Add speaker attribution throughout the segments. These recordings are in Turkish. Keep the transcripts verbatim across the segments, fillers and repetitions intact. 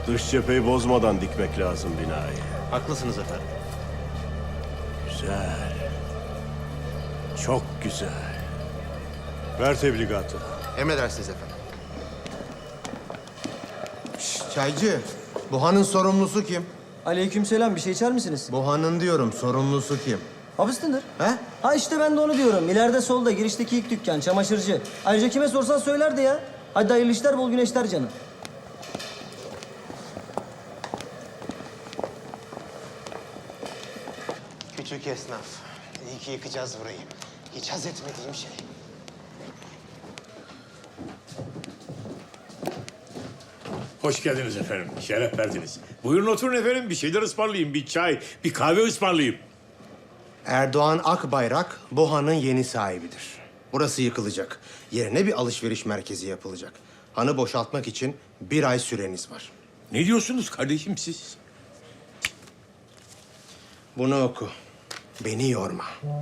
Speaker 1: Dış cepheyi bozmadan dikmek lazım binayı.
Speaker 2: Haklısınız efendim.
Speaker 1: Güzel. Çok güzel. Ver tebligatı.
Speaker 2: Emredersiniz efendim.
Speaker 3: Şşş, çaycı, bu hanın sorumlusu kim?
Speaker 4: Aleykümselam, bir şey içer misiniz?
Speaker 3: Bu hanın diyorum, sorumlusu kim?
Speaker 4: Hapistindir.
Speaker 3: He?
Speaker 4: Ha işte ben de onu diyorum. İleride solda girişteki ilk dükkan, çamaşırcı. Ayrıca kime sorsan söylerdi ya. Hadi hayırlı işler, bol güneşler canım.
Speaker 2: Küçük esnaf. İyi ki yıkacağız burayı. Hiç haz etmediğim şey.
Speaker 5: Hoş geldiniz efendim. Şeref verdiniz. Buyurun oturun efendim. Bir şeyler ısmarlayayım. Bir çay, bir kahve ısmarlayayım.
Speaker 3: Erdoğan Akbayrak bu hanın yeni sahibidir. Burası yıkılacak. Yerine bir alışveriş merkezi yapılacak. Hanı boşaltmak için bir ay süreniz var.
Speaker 5: Ne diyorsunuz kardeşim siz?
Speaker 3: Bunu oku. Beni yorma.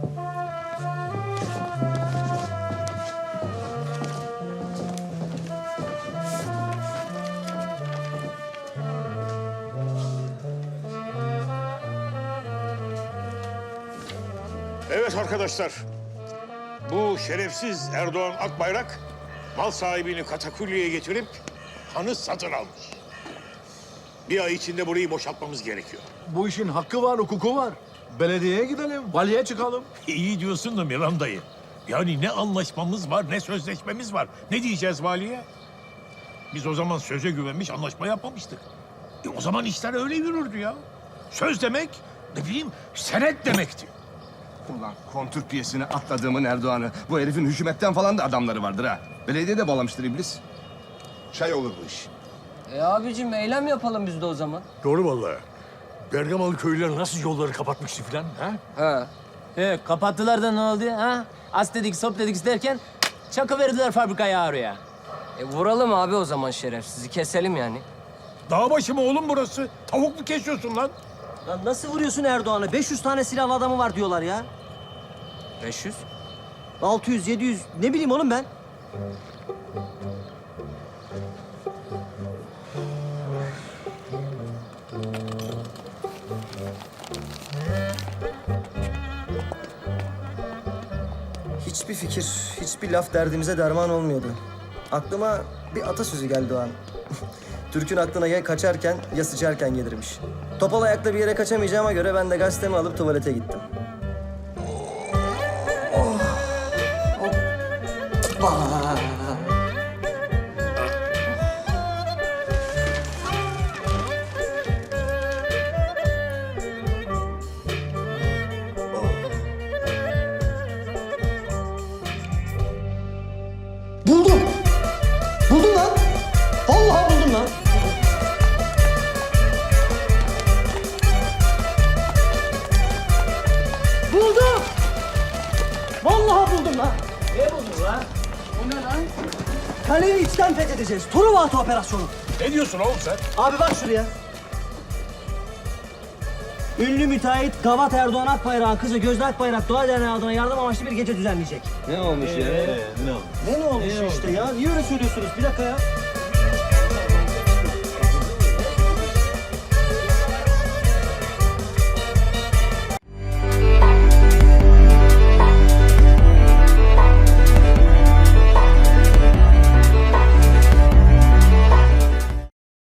Speaker 5: Evet arkadaşlar. Bu şerefsiz Erdoğan Akbayrak mal sahibini katakulliye getirip hanı satın almış. Bir ay içinde burayı boşaltmamız gerekiyor.
Speaker 6: Bu işin hakkı var, hukuku var. Belediyeye gidelim, valiye çıkalım.
Speaker 5: İyi diyorsun da Miran dayı. Yani ne anlaşmamız var, ne sözleşmemiz var. Ne diyeceğiz valiye? Biz o zaman söze güvenmiş, anlaşma yapmamıştık. E o zaman işler öyle yürürdü ya. Söz demek, ne bileyim, senet demekti.
Speaker 6: Ulan kontür piyesine atladığımın Erdoğan'ı. Bu herifin hükümetten falan da adamları vardır ha. Belediye de bağlamıştır iblis. Çay olur bu iş.
Speaker 7: E abicim eylem yapalım biz de o zaman.
Speaker 8: Doğru vallahi. Bergamalı köylüler nasıl yolları kapatmıştı filan ha?
Speaker 7: Ha.
Speaker 9: He, kapattılar da ne oldu ha? As dedik, sop dedik derken çakı verdiler fabrikaya oraya.
Speaker 7: E vuralım abi o zaman şerefsizi keselim yani.
Speaker 5: Dağ başı mı oğlum burası? Tavuk mu kesiyorsun lan?
Speaker 4: Lan nasıl vuruyorsun Erdoğan'ı? beş yüz tane silahlı adamı var diyorlar ya.
Speaker 7: beş yüz.
Speaker 4: altı yüz, yedi yüz, ne bileyim oğlum ben. Hiçbir fikir, hiçbir laf derdimize derman olmuyordu. Aklıma bir atasözü geldi o an. Türk'ün aklına ya kaçarken ya sıçarken gelirmiş. Topal ayakla bir yere kaçamayacağıma göre ben de gazetemi alıp tuvalete gittim. Buldum! Buldum lan! Vallahi buldum lan! Buldum! Vallahi buldum lan!
Speaker 9: Ne buldun lan? O ne lan?
Speaker 4: Kaleyi içten fethedeceğiz. Truva operasyonu.
Speaker 5: Ne diyorsun oğlum sen?
Speaker 4: Abi bak şuraya. Ünlü müteahhit Gavat Erdoğan Akbayrak'ın kızı Gözde Akbayrak Doğa Derneği adına yardım amaçlı bir gece düzenleyecek.
Speaker 7: Ne olmuş ya?
Speaker 4: Ne ne olmuş işte ya? Niye öyle söylüyorsunuz? Bir dakika ya.